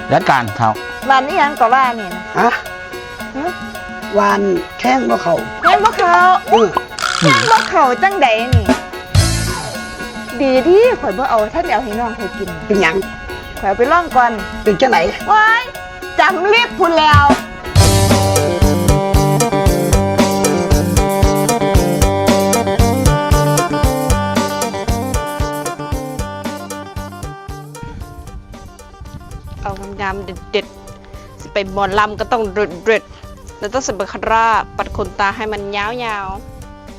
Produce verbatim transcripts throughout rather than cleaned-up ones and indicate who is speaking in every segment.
Speaker 1: จัดการเท่า
Speaker 2: วันนี้ยังก็ว่านี่นะ
Speaker 3: ฮะวันแข้งบ่เขา
Speaker 2: แข้งบ่เขาแข้งบ่เขาจังใดนี่ดีที่ข่อยบ่เอาท่านเอาให้น้องข่อยกิน
Speaker 3: เป็นหยัง
Speaker 2: ข่อยไปล่องก่อน
Speaker 3: เป็นจังไหน
Speaker 2: ว้ายจำรีบพูดแล้ว
Speaker 4: เอางามๆเด็ดๆไปหมอนลำก็ต้องเด็ดๆแล้วต้องใส่เบคาร่าปัดขนตาให้มันยาวๆ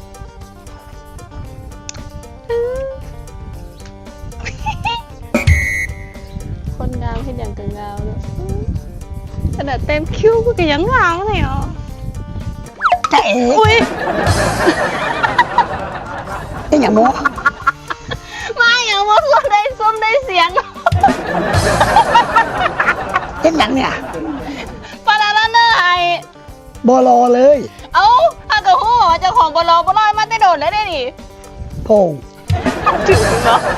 Speaker 4: คนงามให้อย่างกันงามเลยขนาดเต็มคิ้วก็ยังงามเลยอ่ะ
Speaker 3: เจ๊
Speaker 4: อุ้ย
Speaker 3: ไอ้หยังโม
Speaker 4: ไม่อย่างว่าส้มได้ส้มได้เสียง
Speaker 3: เอ็นหยังเนี่ย
Speaker 4: ปาราลาเนอร์ไ
Speaker 3: อบอรอเลย
Speaker 4: เอ้าถ้าเกิดหัวเจ้าของบอลบอลมาได้โดดแล้วได้ดิ
Speaker 3: พง
Speaker 4: ถึงเนาะ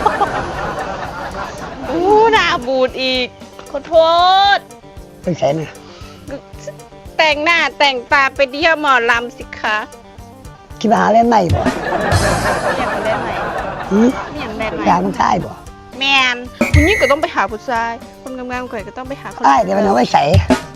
Speaker 4: อู้หน้าบูดอีกขอโทษ
Speaker 3: ไปใส่เนี่ย
Speaker 4: แต่งหน้าแต่งตาไปเที่ยวหมอลำสิคะ
Speaker 3: คิดว่าเล่นไหนบ่
Speaker 4: อยากเล่นไหน
Speaker 3: อืม
Speaker 4: อยากเล่นไหน
Speaker 3: อยากมันใช่บ่
Speaker 4: แมนคุณยิ่งก็ต้องไปหาผู้ชายคนงามๆก่อนก็ต้องไปหาคน
Speaker 3: ใช่เดี๋ยวมันเอาไว้ใส่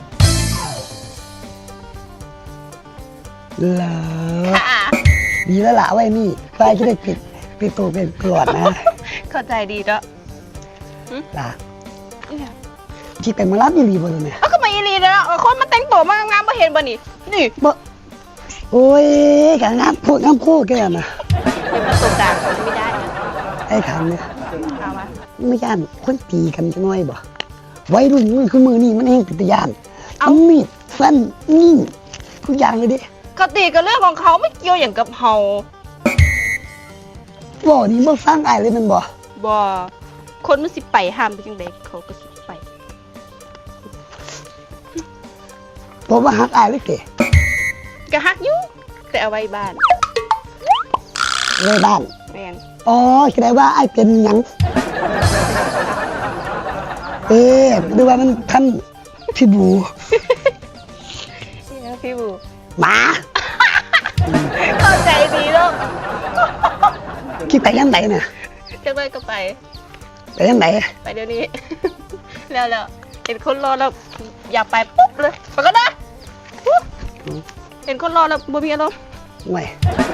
Speaker 3: เหรอดีแล้วล่ะไว้นี่ไฟจะได้ปิดปิดตัวเป็นกรวดนะ
Speaker 4: เข้าใจดีแล้ว
Speaker 3: ล่ะคิดเป็นมาลับยีรีบ่เลยเนี่ย
Speaker 4: ก็มายีรีแล้วคนมาแต่งตัวมางามๆมาเห็นบ่นี่นี่
Speaker 3: บ่โอ้ยแค่งามพูดงามพูดแค่นั้นนะ
Speaker 4: เป็นประสบการณ์ไม่ได้นะ
Speaker 3: ไอ้คำเนี่ย
Speaker 4: เอามา
Speaker 3: ไม่ย่านคนตีกันจะน้อยบ่ไว้รุ่นมันคือมือนี่มันเองติดย่านเอามีดฟันนี่ทุกอย่างเลยดิ
Speaker 4: เขาตีกันเรื่องของเขาไม่เกี่ยวอย่างกับเฮา
Speaker 3: บ่นี่เมื่อฟังไอ้เลยมันบ่
Speaker 4: บ่คนมันสิไปห้ามไปจังไดเขาก็สิไป
Speaker 3: ผมว่าฮักไอ้เลยเก๋
Speaker 4: ก็ฮักอยู่แต่เอาไว้บ้าน
Speaker 3: ไว้บ้าน
Speaker 4: แม่น
Speaker 3: อ๋อแสดงว่าไอ้เป็นหยังเอ๊ะดูว่ามันท่านพี่บู
Speaker 4: พี่บู
Speaker 3: หมา
Speaker 4: เข้าใจดีแล้ว
Speaker 3: คิดไปยังไหนเนี่ย
Speaker 4: จะไปก็ไป
Speaker 3: ไปยังไหน
Speaker 4: ไปเดี๋ยวนี้แล้วแล้วเห็นคนรอแล้วอยากไปปุ๊บเลยไปก็ได้เห็นคนรอแล้วบ่มีอารมณ์
Speaker 3: ไม่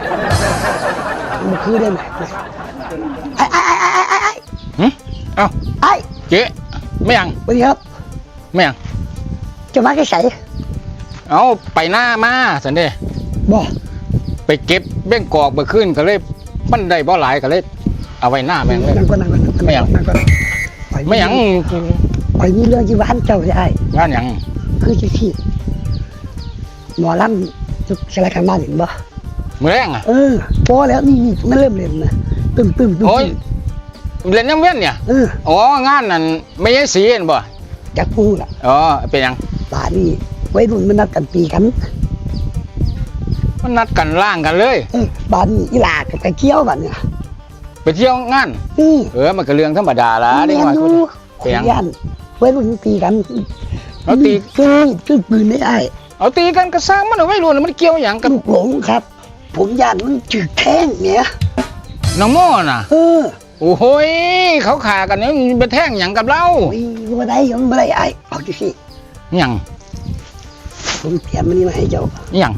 Speaker 3: มันคือได้ไหมไอ้ไอ้ไอ้ไอ้ไอ้ไอ้
Speaker 1: หืมเอ้า
Speaker 3: ไอ้
Speaker 1: เจ๊ไม่ยัง
Speaker 3: สวัสดีครับ
Speaker 1: ไม่ยัง
Speaker 3: จะมาแค่ใส่
Speaker 1: เอาไปหน้ามาสันเด
Speaker 3: บ่
Speaker 1: ไปเก็บเบ้งกอกไปขึ้นก็เลยมันได้บ่หลายก็เลยเอาไว้หน้าแม่งเลยไม่ยังไม่ยัง
Speaker 3: ไปมีเรื่องที่บ้านเจ้าได้
Speaker 1: บ้านยัง
Speaker 3: คือจะที่หมอลำจุกสลายกันบ้านเห็นบ่
Speaker 1: มือแรงอ่ะ
Speaker 3: เออพอแล้วนี่นี่มันเริ่มเล่นนะตึ้มตึ้มตึ้ม
Speaker 1: โอ้ยเล่นน้ำเว้นเนี่ยอ๋องานนั่นไม่ใช่สีเห็นบ่
Speaker 3: จักพูดล่ะ
Speaker 1: อ๋อเป็นยัง
Speaker 3: บ้านนี่ไว้รุ่นมันนัดกันตีกัน
Speaker 1: มันนัดกันล่างกันเลย
Speaker 3: เออบ้านนี่อีหลากับไปเที่ยวบ้านเนี่ย
Speaker 1: ไปเที่ยวงานเออมันก็เรื่องธรรมดาละ
Speaker 3: ได้มาคุยกันไว้รุ่นตีกัน
Speaker 1: เอาตี
Speaker 3: คือคือปืนไม่ไอ้
Speaker 1: เอาตีกันกระซังมันเอาไว้รุ่นมันเกี่ยวอย่างกับ
Speaker 3: ลูกหลงครับผมย่านมันจืดแท่งเนี่ย
Speaker 1: น้องโม่น่ะ
Speaker 3: เออ
Speaker 1: โอ้โหเขาขากันเนี่ยมันไปแท่งอย่างกับเรา
Speaker 3: โอ้ยว่าได้ยังไม่ได้ไอ้เอาดิสิ
Speaker 1: ยัง
Speaker 3: ผมเตรียมมันนี่มาให้เจ้า
Speaker 1: ยัง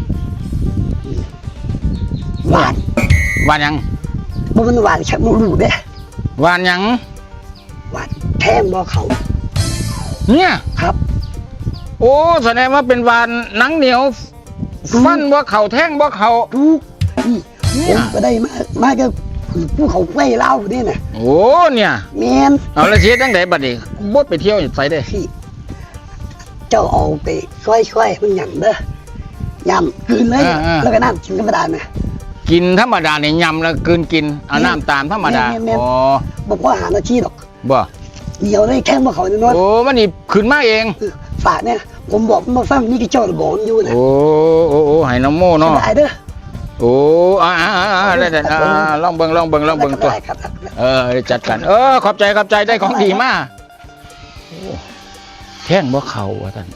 Speaker 3: หวาน
Speaker 1: หวานยัง
Speaker 3: บ่มันหวานชักมูรูเด้
Speaker 1: หวานยัง
Speaker 3: หวานแท่งบ่เขา
Speaker 1: เนี่ย
Speaker 3: ครับ
Speaker 1: โอ้แสดงว่าเป็นหวานหนังเหนียวฟันว่าเขาแท่งว่าเขา
Speaker 3: ทุกนี่ผมก็ได้มามาก็ผู้เขาไฟเล่าเนี่ยนะ
Speaker 1: โอ้เนี่ย
Speaker 3: แมน
Speaker 1: เอาละเชียตั้งแต่บัดนี้บดไปเที่ยวอยู่ไสได้
Speaker 3: เจ้าเอาไปค่อยๆมันหยำเด้อยำคืนเลยแล้วก็น้ำกินธรรมดานะ
Speaker 1: กินธรรมดาเนี่ยยำแล้วกินกินเอาน้ำตามธรรมดา
Speaker 3: อ๋อบอกว่าหาหน้าที่หรอก
Speaker 1: บ่
Speaker 3: เดี๋ยวได้แข้งบ่เขาเนี่ยน้อย
Speaker 1: โอ้มันนี่ขึ้นมาเอง
Speaker 3: ฝากเนี่ยผมบอกมาฟังนี่กี่เจ้าบอกอยู่นะ
Speaker 1: โอ้โอ้โอ้ให้น้ำโม่เนาะ
Speaker 3: ได้เด้อ
Speaker 1: โอ้อ่าอ่าอ่าได้ได้ลองเบิ่งลองเบิ่งลองเบิ่งตัวเออจัดกันเออขอบใจขอบใจได้ของดีมากแท่งบ่เข้าว่าซั่น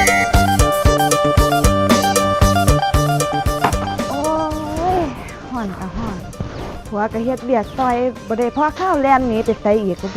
Speaker 2: โอ้ยห่อนก็ห่อนผัวก็เฮ็ดเบียกซอยบ่ได้พ่อข้าวแล่นหนีไปไสอีกก็บ่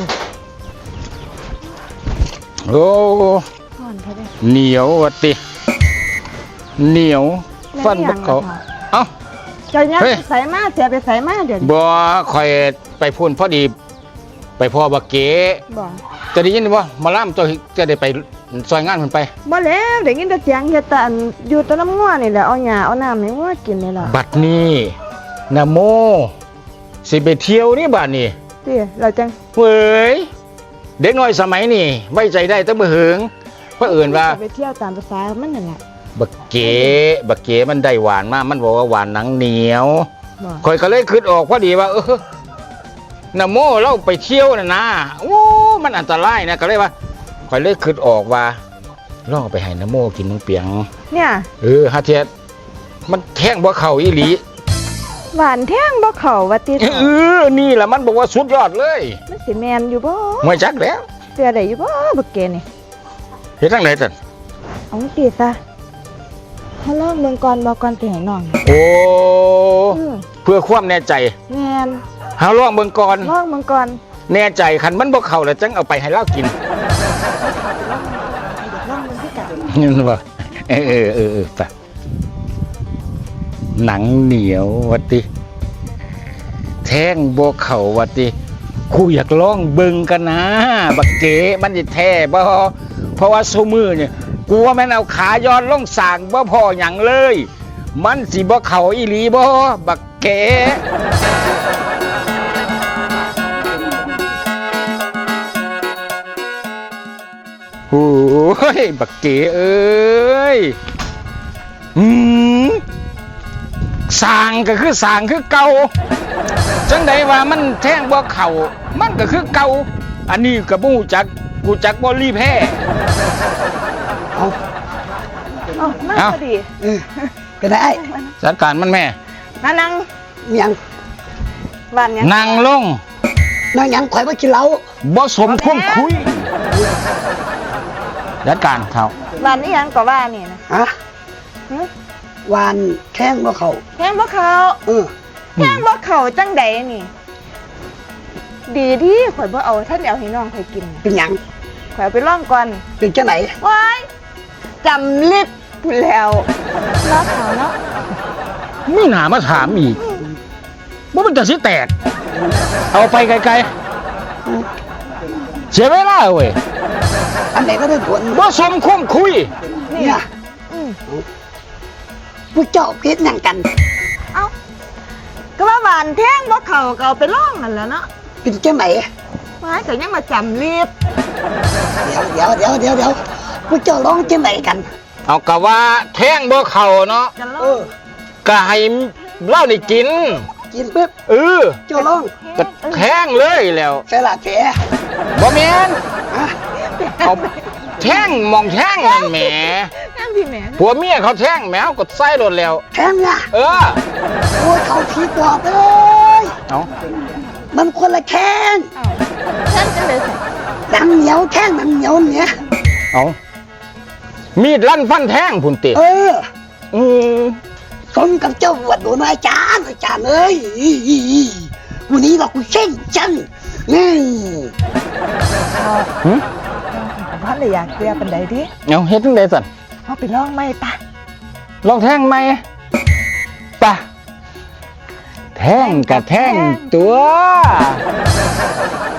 Speaker 1: โอ้
Speaker 2: ห่อนแท้เด้
Speaker 1: เหนียวว่าติเหนียวฟันบ่เข้าเอ้า
Speaker 2: เจ้ายัก
Speaker 1: เฮ้ย
Speaker 2: ไปไสมาเสียไปไสมาเดี๋ยวนี้
Speaker 1: บ่ค่อยไปพูนพอดี ไปพ่อบักเก๋
Speaker 2: บ่
Speaker 1: จะได้ยินบ่หมาล่ำเจ้าจะได้ไปซอยงานเพิ่นไป
Speaker 2: บ่แล้วได้ยินแต่เสียงเฮ็ดแต่อันอยู่แตะน้ำงัวนี่แหละเอาหญ้าเอาน้ำให้งัวกินนี่ล่ะ
Speaker 1: บัดนี้นะโมสิไปเที่ยวนี่บัดนี้
Speaker 2: ติเราจัง
Speaker 1: เว้ยเด็กน้อยสมัยนี้ไว้ใจได้แต่บ่หึงเพราะเอื่นว่า
Speaker 2: ไปเที่ยวตามภาษามันนั่นแหละ
Speaker 1: บักเก๋บักเก๋มันได้หวานมากมันบอกว่าหวานหนังเหนียว
Speaker 2: บ่
Speaker 1: ข่อยก็เลยคิดออกพอดีว่าเออนะโมเราไปเที่ยวน่ะนะโอ้มันอันตรายนะก็เลยว่าข่อยเลยคิดออกว่าลองไปให้นะโมกินมึงเปียง
Speaker 2: เนี่ย
Speaker 1: เออฮาเทียมันแท่งบ่เข้าอีหลี
Speaker 2: หวานแท่งบ่เข้าว่าติ
Speaker 1: เออนี่แหละมันบอกว่าสุดยอดเลย
Speaker 2: มันสิแม่นอยู่บ่
Speaker 1: ไม่จักแล้ว
Speaker 2: เสียได้อยู่บ่บักเกนี่
Speaker 1: เฮ็ดจังไดซั่น
Speaker 2: เอาติซะเฮาลองเบิ่งก่อนบ่ก่อนสิให้น้อง
Speaker 1: โอ้
Speaker 2: เออ
Speaker 1: เพื่อความแน่ใจ
Speaker 2: แม่น
Speaker 1: เฮาลองเบิ่งก่อน
Speaker 2: ลองเบิ่งก่อน
Speaker 1: แน่ใจคันมันบ่เข้าแล้วจังเอาไปให้เรากิน
Speaker 2: ลองเบิ่งคือกัน
Speaker 1: นี่นบ่เออเออเออเออไปหนังเหนียววัดติแท่งบ่เข้าวัดติกูอยากลองเบิ่งกันนะบักเก๋มันสิแท้บ่เพราะว่าซุมื้อเนี่ยกูว่าแม่นเอาขาย้อนลงสร้างบ่พอหยังเลย มันสิบ่เข้าอีหลีบ่บักเก๋โอ้ยบักเก๋เอ้ยอืมสร้างก็คือสร้างคือเก่าจังใดว่ามันแท่งบ่เข้ามันก็คือเก่าอันนี้ก็บ่ฮู้จักกูจักบ่รีแพ้
Speaker 3: เอา
Speaker 2: เอ้ามา
Speaker 1: เอ้า
Speaker 2: พอดี
Speaker 3: เออก็ได้
Speaker 1: จัดการมันแม่
Speaker 2: มานั่ง
Speaker 3: มีหยัง
Speaker 2: หวานหยัง
Speaker 1: นั่งลง
Speaker 3: นั่งหยังข่อยบ่กินเหล้า
Speaker 1: บ่สมคมคุยจัดการเขา
Speaker 2: หวานนี่หยังก็ว่านี่นะ
Speaker 3: ฮะ
Speaker 2: หึ
Speaker 3: หวานแข้งบ่เข้า
Speaker 2: แท่งบ่เข้า
Speaker 3: เออ
Speaker 2: แท่งบ่เข้าจังใดนี่ ดีดีข่อยบ่เอาท่านเอาให้น้องข่อยกิน
Speaker 3: เป็นหยัง
Speaker 2: ข่อยเอาไปลองก่อน
Speaker 3: เป็นจังไหน
Speaker 2: ว้ายจำลิบพูดแล้วรักเขาเนาะ
Speaker 1: มีหนามาถามอีกว่ามันจะสิแตก เอาไปไกลๆเสียเวลาเว้ย
Speaker 3: อันไหนก็ได้ผล
Speaker 1: บ่สมคมคุย
Speaker 3: เนี่ย
Speaker 2: อืม
Speaker 3: พวกเจ้าเพชรหยังกัน
Speaker 2: เอ้าก็ว่าหวานแท่งบ่เข้าก็เอาไปลองนั่นแหล้วเนาะ
Speaker 3: เป็นจังไหน
Speaker 2: ว้ายก็ยังมาจำลิบ
Speaker 3: เดี๋ยวเดี๋ยวเดี๋ยวเดี๋ยวเดี๋ยวพวกเจ้าร้องจังไหนกัน
Speaker 1: เอากะว่าแท่งบ่เข่าเนาะ
Speaker 2: จะล
Speaker 3: เอ
Speaker 2: อง
Speaker 3: อ
Speaker 1: ก็ให้เหล้าได้กิน
Speaker 3: กินปุ๊บ
Speaker 1: เออ
Speaker 3: เจ้าร้อง
Speaker 1: ก็แท่งเลยแล้ว
Speaker 3: ใส่ละแผล
Speaker 1: บ่แม่น
Speaker 3: ฮะ
Speaker 1: เอาแท่งมองแท่งนั่นแหม
Speaker 2: นั่งพี่แม่
Speaker 1: ผัวเมียเขาแท่งแหมเขาก็ใส่รถแล้ว
Speaker 3: แข้งอ่ะ
Speaker 1: เออ
Speaker 3: โอ้ยเขาผิดดอกเลย
Speaker 1: เอา
Speaker 3: มันคนละแข้ง
Speaker 2: เอ้าแท่งจังเลยสิ
Speaker 3: หนังเหนียวแข้งหนังเหนียวเนี่ย
Speaker 1: เอามีดลั่นฟันแท่งพุ่นติ
Speaker 3: เออ
Speaker 1: อือ
Speaker 3: สมกับเจ้าบวชโดนอาจารย์อาจารย์เอ้ยวันนี้เราคุยเช่นจังนี่
Speaker 1: หึ
Speaker 2: พ่อเลยอยากเสียปันใดดิ
Speaker 1: เอาเฮ็ดจังได๋สั่น
Speaker 2: เอาไปลองไหมปะ
Speaker 1: ลองแท่งไหมปะแท่งกับแท่งตัว